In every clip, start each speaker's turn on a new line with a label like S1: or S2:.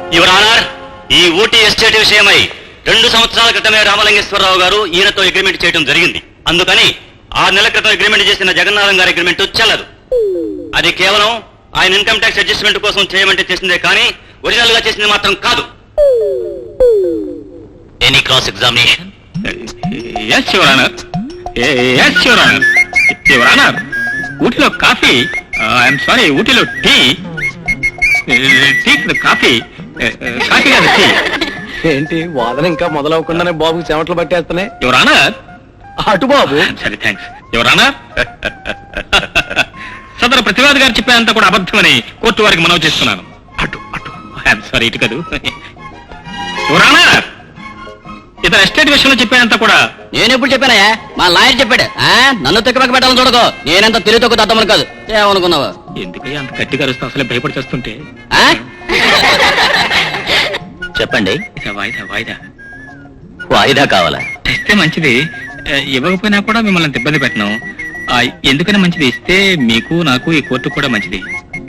S1: Your honour, ఈ Ooty estate విషయమై 2 సంవత్సరాల క్రితమే రామలింగేశ్వరరావు గారు ఈయనతో అగ్రిమెంట్ చేయడం జరిగింది. అందుకని 6 నెలల క్రితం అగ్రిమెంట్ చేసిన జగన్నాథం గారి అగ్రిమెంట్ చెల్లదు. అది కేవలం ఆయన ఇన్కమ్ ట్యాక్స్ అడ్జస్ట్మెంట్ కోసం చేయమంటే చేసిందే కానీ ఒరిజినల్ గా చేసింది మాత్రం కాదు. Any cross examination?
S2: Yes your honour. Yes your honour. Your honour, ఊటీలో కాఫీ, ఐఎమ్ సారీ, ఊటీలో టీ కాఫీ కాఫీ కాదు టీ.
S3: ఏంటి వాదన ఇంకా మొదలవకుండానే బాబుకి చెమటలు పట్టేస్తున్నాయి.
S2: Your honour.
S3: అటు బాబు.
S2: సరే, థ్యాంక్స్. యువర్ ఆనర్, సదరు ప్రతివాది గారు చెప్పేంత కూడా అబద్ధమని కోర్టు వారికి మనవి చేస్తున్నాను.
S3: అటు అటు.
S2: ఐఎమ్ సారీ, ఇటు కాదు. యువర్ ఆనర్, ఇతర ఎస్టేట్ విషయంలో చెప్పేంత కూడా
S1: నేను ఎప్పుడు చెప్పానయా? మా లాయర్ చెప్పాడు. నన్ను తిక్కమక పెట్టాలని చూడకో. నేనంత తెలివి తక్కువ దద్దమని కాదు. ఏమనుకున్నావా?
S2: ఎందుకయ్యా అంత గట్టిగా అరుస్తూ అసలే భయపడి చేస్తుంటే?
S1: చెప్పండి.
S2: వాయిదా వాయిదా
S1: వాయిదా కావాలా?
S2: ఇస్తే మంచిది, ఇవ్వకపోయినా కూడా మిమ్మల్ని ఇబ్బంది పెట్టను. ఎందుకని మంచిది, ఇస్తే మీకు నాకు ఈ కోర్టు కూడా మంచిది.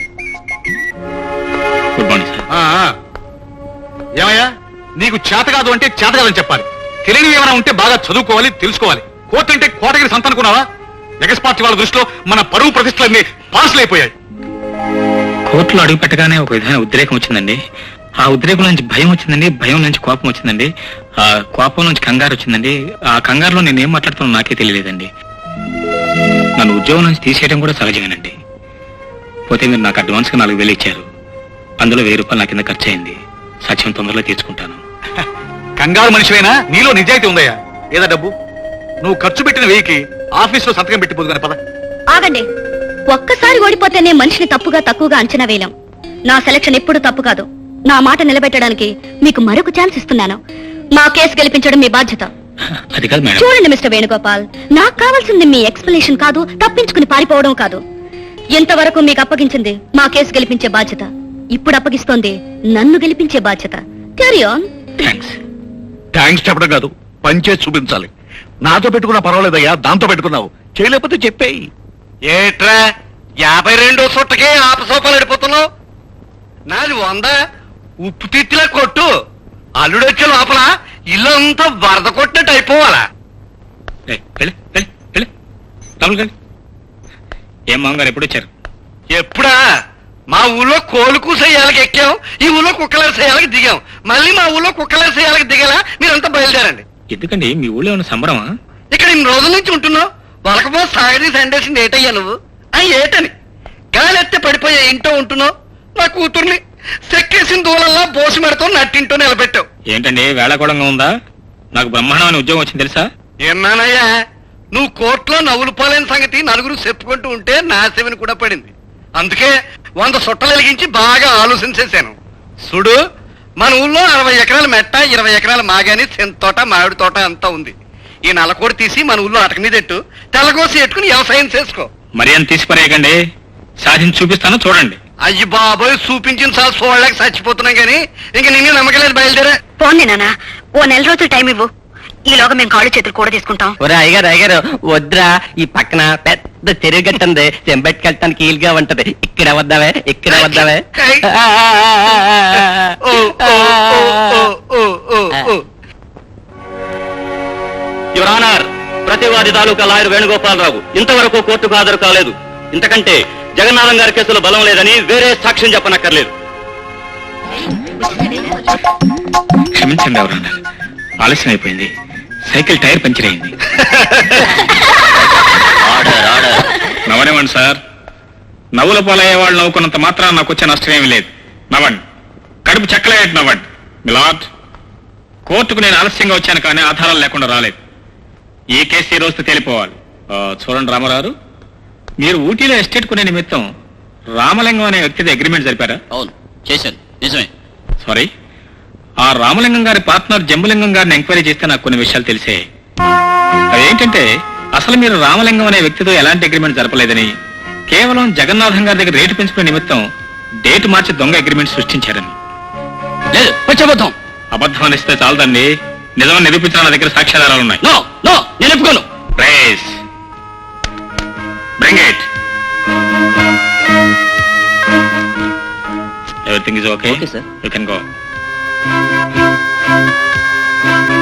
S2: Good morning sir.
S3: ఏమయ్యా, నీకు చేత కాదు అంటే చేత కాదని చెప్పాలి. తెలియని ఏమైనా ఉంటే బాగా చదువుకోవాలి, తెలుసుకోవాలి. కోర్టు అంటే కోటగిరి సంత అనుకున్నావా? ఎగస్ పార్టీ వాళ్ళ దృష్టిలో మన పరువు ప్రతిష్టలన్నీ పాసులు అయిపోయాయి.
S2: కోర్టులో అడుగు పెట్టగానే ఒక విధమైన ఉద్రేకం వచ్చిందండి. ఆ ఉద్రేకం నుంచి భయం వచ్చిందండి, భయం నుంచి కోపం వచ్చిందండి, ఆ కోపం నుంచి కంగారు వచ్చిందండి. ఆ కంగారులో నేను ఏం మాట్లాడుతున్నా నాకే తెలియలేదండి. నన్ను ఉద్యోగం నుంచి తీసేయడం కూడా సహజమేనండి. పోతే మీరు నాకు అడ్వాన్స్ గా 4,000 ఇచ్చారు. అందులో 1,000 రూపాయలు నా కింద ఖర్చు అయింది. సత్యం తొందరలో తీర్చుకుంటాను.
S3: కంగారు మనిషివైనా నీలో నిజాయితీ ఉందయ్యా. ఏదా డబ్బు నువ్వు ఖర్చు పెట్టిన 1000కి ఆఫీసులో సంతకం పెట్టిపోదు కానీ పద.
S4: ఆగండి. ఒక్కసారి ఓడిపోతేనే మనిషిని తప్పుగా తక్కువగా అంచనా వేయలేం. నా సెలక్షన్ ఎప్పుడు తప్పు కాదు. నా మాట నిలబెట్టడానికి మీకు మరొక ఛాన్స్ ఇస్తున్నాను. మా కేసు గెలిపించడం మీ బాధ్యత.
S2: అది కాదు మేడం.
S4: చూడండి మిస్టర్ వేణుగోపాల్, నాకు కావాల్సింది మీ ఎక్స్ప్లెనేషన్ కాదు, తప్పించుకుని పారిపోవడం కాదు. ఎంతవరకు మీకు అప్పగించింది మా కేసు గెలిపించే బాధ్యత. ఇప్పుడు అప్పగిస్తోంది నన్ను గెలిపించే బాధ్యత. Carry on.
S3: థ్యాంక్స్ చెప్పడం కాదు, పనిచేసి చూపించాలి. నాతో పెట్టుకున్నా పర్వాలేదయ్యా, దాంతో పెట్టుకున్నావు. చేయలేకపోతే చెప్పేయి.
S5: ఏట్రా 52 సుట్టకే ఆపసోపాలు అడిపోతున్నావు? నాది 100 ఉప్పు తిట్టిలా కొట్టు. అల్లుడొచ్చే లోపల ఇల్లంతా వరద కొట్టినట్టు అయిపోవాలా?
S2: ఏం మామగారు ఎప్పుడు వచ్చారు?
S5: ఎప్పుడా? మా ఊళ్ళో కోలు కూసేయాలకి ఎక్కాం, ఈ ఊళ్ళో కుక్కలరి సేయాలకి దిగాం. మళ్ళీ మా ఊళ్ళో కుక్కలరి సేయాలకి దిగేలా మీరంతా బయలుదేరండి.
S2: ఎందుకండి మీ ఊళ్ళో ఉన్న సంబరమా?
S5: ఇక్కడ ఇన్ని రోజుల నుంచి ఉంటున్నావు, వలకపో సాగదీసి ఎండేసింది ఏటయ్యా నువ్వు? ఏటని గాలెత్తే పడిపోయే ఇంట్లో ఉంటున్నావు. నా కూతుర్ని సెక్కేసిన దూలల్లా బోసి మెడతో నట్టింటో నిలబెట్టావు.
S2: ఏంటండి వేళాకోళంగా ఉందా? నాకు బ్రహ్మాండమైన ఉద్యోగం వచ్చింది తెలుసా?
S5: ఏన్నానయ్యా, నువ్వు కోర్టులో నవ్వులు పోలేని సంగతి నలుగురు చెప్పుకుంటూ ఉంటే నా చెవిని కూడా పడింది. అందుకే 100 సుట్టలు వెలిగించి బాగా ఆలోచించేశాను. చూడు, మన ఊళ్ళో 60 ఎకరాల మెట్ట, 20 ఎకరాల మాగాని, చింత తోట, మామిడి తోట అంతా ఉంది. ఈ నల్లకోడి తీసి మన ఊళ్ళో అటక మీద ఎట్టు, తెల్లకోసి ఎట్టుకుని వ్యవసాయం చేసుకో.
S2: మరి అని తీసిపరేయకండి, సాధించి చూపిస్తాను చూడండి.
S5: అయ్యి బాబోయ్, చూపించిన సార్ చూడలేక చచ్చిపోతున్నాం కానీ ఇంక నిన్ను నమ్మకలేదు. బయలుదేరా.
S4: పోండి నాన్న, ఓ నెల రోజులు టైం ఇవ్వు. ఈలోగా మేము కాళ్ళు చేతులు కూడా తీసుకుంటాం.
S1: ఒరే అయ్యగారు వద్దురా, ఈ పక్కన పెద్ద చెరువు గట్టుంది, చెంబెట్టుకెళ్ళటానికి ఈలుగా ఉంటది. ఇక్కడ వద్దావే, ఇక్కడ వద్దావే. యువర్ ఆనర్, ప్రతివాది తాలూకా లాయర్ వేణుగోపాలరావు ఇంతవరకు కోర్టుకు హాజరు కాలేదు. ఇంతకంటే జగన్నాథం గారి కేసులో బలం లేదని వేరే సాక్ష్యం చెప్పనక్కర్లేదు.
S2: క్షమించండి ఎవరన్నా, ఆలస్యం అయిపోయింది. సైకిల్ టైర్ పంచర్ అయింది. నవ్వనివ్వండి సార్. నవ్వుల పాలయ్యే వాళ్ళు నవ్వుకున్నంత మాత్రం నాకు వచ్చే నష్టం ఏమీ లేదు. నవ్వండి, కడుపు చెక్కలేట్ నవ్వండి. మిలాడ్, కోర్టుకు నేను ఆలస్యంగా వచ్చాను కానీ ఆధారాలు లేకుండా రాలేదు. ఈ కేసు ఈ రోజుతో తేలిపోవాలి. చూడండి రామారావు, మీరు ఊటీలో ఎస్టేట్ కొనే నిమిత్తం రామలింగం అనే వ్యక్తితో అగ్రిమెంట్ జరిపారా?
S1: అవును, చేశాను. నిజమే.
S2: సారీ, ఆ రామలింగం గారి పార్ట్నర్ జంబులింగం గారిని ఎంక్వైరీ చేస్తే నాకు కొన్ని విషయాలు తెలిసే. అదేంటంటే అసలు మీరు రామలింగం అనే వ్యక్తితో ఎలాంటి అగ్రిమెంట్ జరపలేదని, కేవలం జగన్నాథం గారి దగ్గర రేటు పెంచుకునే నిమిత్తం డేట్ మార్చి దొంగ అగ్రిమెంట్ సృష్టించారని.
S1: లేదు, పచ్చబద్ధం.
S2: అబద్ధం అనిస్తే చాలదండి, నిజమని నిరూపించిన నా దగ్గర సాక్ష్యాధారాలు ఉన్నాయి.
S1: నో నో, నేను ఒప్పుకోను.
S2: Please bring it. Everything is okay.
S1: Okay, sir.
S2: You can go.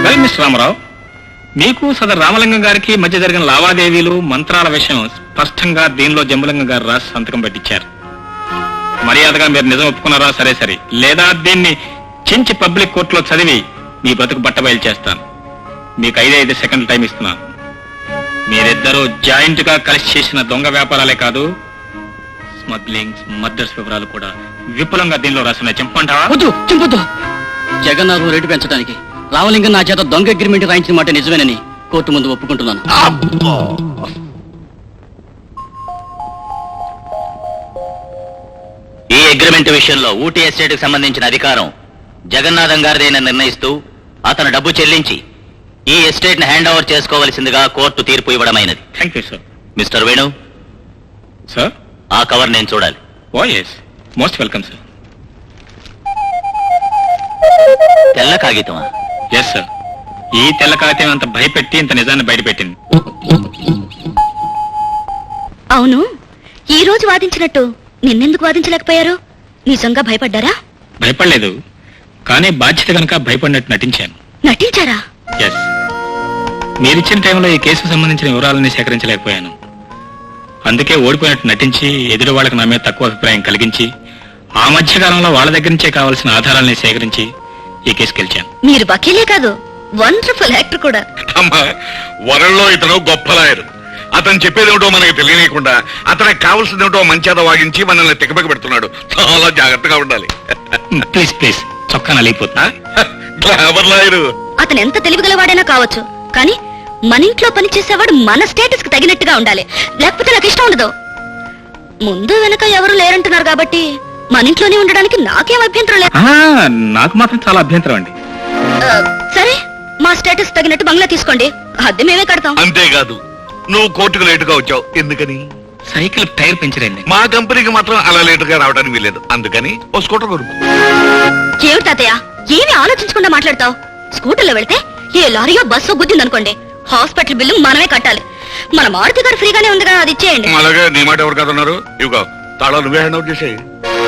S2: Well mister Ramarao, మీకు సదర్ రామలింగం గారికి మధ్య జరిగిన లావాదేవీలు మంత్రాల విషయం స్పష్టంగా దీనిలో జంబులింగం గారు రాసి సంతకం పెట్టించారు. మర్యాదగా మీరు నిజం ఒప్పుకున్నారా? సరే సరే, లేదా దీన్ని చించి పబ్లిక్ కోర్టులో చదివి మీ బ్రతుకు బట్టబయలు చేస్తాను. మీకు 5 సెకండ్ల టైం ఇస్తున్నాను. మీరిద్దరూ జాయింట్ గా కలిసి చేసిన దొంగ వ్యాపారాలే కాదు, స్మగ్లింగ్, మర్డర్స్ వివరాలు కూడా విపులంగా దీనిలో రాస్తున్నాయి. చెప్పంటావా?
S6: వద్దు, చింపొద్దు. జగన్నాథం రేటు పెంచడానికి రామలింగం నా చేత దొంగ అగ్రిమెంట్ రాయించిన మాట నిజమేనని కోర్టు ముందు ఒప్పుకుంటున్నాను.
S1: ఈ అగ్రిమెంట్ విషయంలో ఊటీ ఎస్టేట్ కి సంబంధించిన అధికారం జగన్నాథం గారిదేనని నిర్ణయిస్తూ అతను డబ్బు చెల్లించి ఈ ఎస్టేట్ ని హ్యాండ్ ఓవర్ చేసుకోవలసిందిగా కోర్టు తీర్పు ఇవ్వడమైనది.
S2: Thank you sir.
S1: Mister Venu,
S2: sir,
S1: ఆ కవర్ నేను చూడాలి.
S2: Oh yes, most welcome sir.
S1: తెల్ల కాగితమా?
S2: ఎస్ సార్, ఈ తెల్ల కాగితం అంత భయపెట్టి ఇంత నిజాన్ని బయటపెట్టింది.
S4: అవును, ఈ రోజు వాదించినట్టు నిన్నెందుకు వాదించలేకపోయారు? నిజంగా భయపడ్డారా?
S2: భయపడలేదు, కానీ బాధ్యత కనుక భయపడినట్టు నటించాను.
S4: నటించారా?
S2: ఎస్, మీరిచ్చిన టైంలో ఈ కేసుకు సంబంధించిన వివరాలని సేకరించలేకపోయాను. అందుకే ఓడిపోయినట్టు నటించి ఎదురు వాళ్ళకి నా మీద తక్కువ అభిప్రాయం కలిగించి ఆ మధ్యకాలంలో వాళ్ళ దగ్గర నుంచే కావాల్సిన ఆధారాలని సేకరించి ఈ కేసు గెలిచాను.
S4: మీరు వకీలే కాదు, వండర్ఫుల్ యాక్టర్ కూడా.
S3: అమ్మా, వరల్లో ఇతను గొప్ప లాయరు. అతను చెప్పేదేమిటో మనకి తెలియనీయకుండా అతనికి కావాల్సిందేమిటో మంచిద వాగించి మనల్ని తికమక పెడుతున్నాడు. చాలా జాగ్రత్తగా ఉండాలి.
S2: ప్లీజ్ ప్లీజ్, చొక్కా నలిగిపోతున్నా.
S3: Glamour lawyer.
S4: అతను ఎంత తెలివిగలవాడైనా కావచ్చు, కానీ మన ఇంట్లో పనిచేసేవాడు మన స్టేటస్ కి తగినట్టుగా ఉండాలి, లేకపోతే నాకు ఇష్టం ఉండదు. ముందు వెనక ఎవరు లేరంటున్నారు కాబట్టి మన ఇంట్లోనే ఉండడానికి నాకేం అభ్యంతరం లేదు.
S2: నాకు మాత్రం చాలా అభ్యంతరం అండి.
S4: సరే, మా స్టేటస్ తగినట్టు బంగ్లా తీసుకోండి, అద్దె మేమే కడతాం.
S3: అంతేకాదు, నువ్వు కోర్టుకు లేటుగా వచ్చావు. ఎందుకని?
S2: సైకిల్ టైర్ పెంచరైంది.
S3: మా కంపెనీకి మాత్రం అలా లేటుగా రావడానికి వీలేదు. అందుకని ఓ స్కూటర్ కొనుక్కో.
S4: ఏమిటి తాతయ్య, ఏమీ ఆలోచించకుండా మాట్లాడతావు? స్కూటర్లో వెళ్తే ఏ లారీయో బస్సో గుద్దిందనుకోండి, హాస్పిటల్ బిల్లు మనమే కట్టాలి. మన మారుతి గారు ఫ్రీగానే ఉంది కదా, అది ఇచ్చేయండి.
S3: అలాగే నీ మాట ఎవరు కాదన్నారు? ఇవిగో తాళాలు నువ్వే హ్యాండ్ అవుట్ చేసేయి.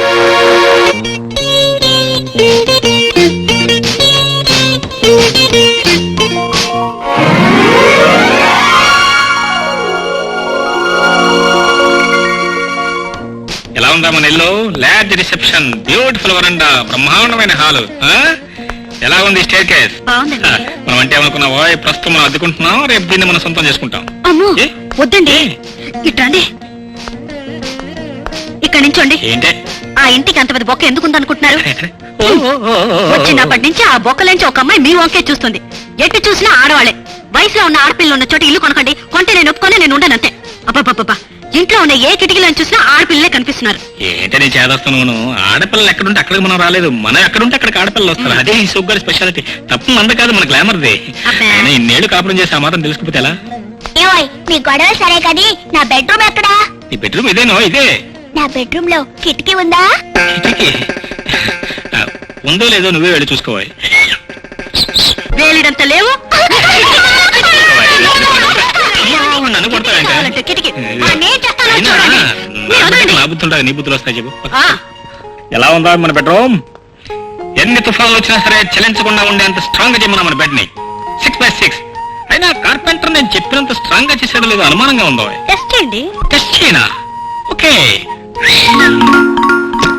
S2: ఎలా ఉందా మన ఇల్లు? లార్జ్ రిసెప్షన్, బ్యూటిఫుల్ వరండా, బ్రహ్మాండమైన హాలు. ఎలా ఉంది స్టేర్ కేస్?
S4: బాగుందండి.
S2: మనం అంటే ఏమనుకున్నావా, ప్రస్తుతం మనం అద్దుకుంటున్నాం, రేపు దీన్ని మనం సొంతం చేసుకుంటాం.
S4: అమ్మో,
S2: ఏ?
S4: వద్దండి, ఇట్రండి, ఇక్కడ నుంచోండి.
S2: ఏంటే
S4: ఆ ఇంటికి అంత పెద్ద బొక్క ఎందుకు ఉందనుకుంటున్నారు? వచ్చినప్పటి నుంచి ఆ బొక్కలోంచి ఒక అమ్మాయి మీ వంకే చూస్తుంది. ఎటు చూసినా ఆడవాళ్ళే. వయసులో ఉన్న ఆడపిల్లలు ఉన్న చోట ఇల్లు కొనకండి, కొంటే నేను ఒప్పుకొని నేను ఉండనంతే. అబ్బా, ఇంట్లో ఉన్న ఏ కిటికీలను చూసినా ఆడపిల్లలే కనిపిస్తున్నారు.
S2: ఏంటే నేను చేదస్తాను, ఆడపిల్లలు ఎక్కడుంటే అక్కడికి మనం రాలేదు, మనం ఎక్కడుంటే అక్కడికి ఆడపిల్లలు వస్తారు. అదే ఈ సూపర్ స్పెషాలిటీ. తప్పు మంద కాదు, మన గ్లామర్దే.
S4: అబ్బా.
S2: అయినా ఇన్నేళ్లు కాపురం చేసి ఆ మాత్రం తెలుసుకుపోతే ఎలా?
S7: ఏవోయ్, మీ గొడవ సరే కానీ నా బెడ్రూమ్ ఎక్కడా?
S2: నీ బెడ్రూమ్ ఇదేనో? ఇదే.
S7: నా బెడ్రూమ్ లో కిటికీ ఉందా?
S2: కిటికీ ఉందో లేదో నువ్వే వెళ్ళి చూసుకోవాలి.
S4: వేలిడంత లేవు.
S2: నన్ను కొడతావేంటే?
S4: కావాలంటే కిటికీ.
S7: నేను చేస్తాను
S2: అయినా
S7: చూడండి.
S4: మీరు వదలండి.
S2: నా బుద్ధులు ఉంటాయి, నీ బుద్ధులు వస్తాయి చెప్పు.
S4: ఆ,
S2: ఎలా ఉందా మన బెడ్రూమ్? ఎన్ని తుఫాన్లు వచ్చినా సరే చలించకుండా ఉండేంత స్ట్రాంగ్ గా చేయమన్నా మన బెడ్ ని. 6x6. అయినా కార్పెంటర్ నేను చెప్పినంత స్ట్రాంగ్ గా చేసాడో లేదో అనుమానంగా ఉందో.
S4: టెస్ట్ చేయండి.
S2: టెస్ట్ చేయనా? ఓకే.